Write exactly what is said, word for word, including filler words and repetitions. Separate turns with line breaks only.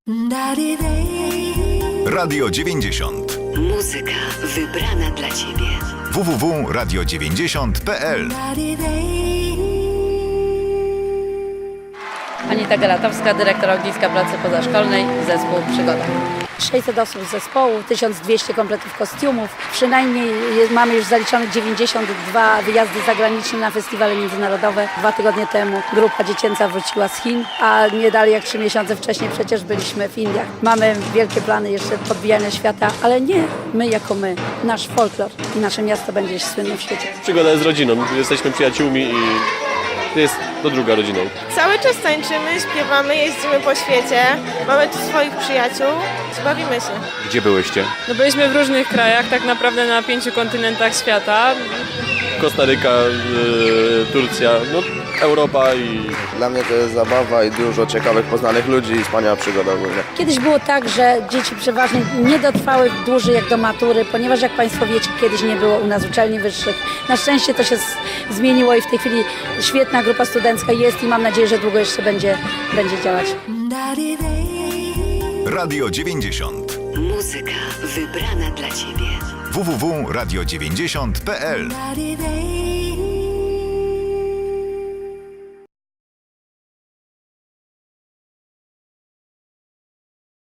Radio dziewięćdziesiąt.
Muzyka wybrana dla Ciebie.
w w w kropka radio dziewięćdziesiąt kropka p l.
Anita Galatowska, dyrektor ogniska pracy pozaszkolnej, zespół Przygoda. sześćset osób z zespołu, tysiąc dwieście kompletów kostiumów. Przynajmniej jest, mamy już zaliczone dziewięćdziesiąt dwa wyjazdy zagraniczne na festiwale międzynarodowe. Dwa tygodnie temu grupa dziecięca wróciła z Chin, a nie dalej jak trzy miesiące wcześniej przecież byliśmy w Indiach. Mamy wielkie plany jeszcze podbijania świata, ale nie my jako my. Nasz folklor i nasze miasto będzie słynne w świecie.
Przygoda jest rodziną, jesteśmy przyjaciółmi i to jest to druga rodziną.
Cały czas tańczymy, śpiewamy, jeździmy po świecie, mamy tu swoich przyjaciół, bawimy się.
Gdzie byłyście?
No byliśmy w różnych krajach, tak naprawdę na pięciu kontynentach świata.
Kostaryka, yy, Turcja, no Europa i...
Dla mnie to jest zabawa i dużo ciekawych, poznanych ludzi i wspaniała przygoda ogólnie.
Kiedyś było tak, że dzieci przeważnie nie dotrwały dłużej jak do matury, ponieważ jak Państwo wiecie, kiedyś nie było u nas uczelni wyższych. Na szczęście to się z- zmieniło i w tej chwili świetna grupa studencka jest i mam nadzieję, że długo jeszcze będzie, będzie działać.
Radio dziewięćdziesiąt.
Muzyka wybrana dla Ciebie.
w w w kropka radio dziewięćdziesiąt kropka p l.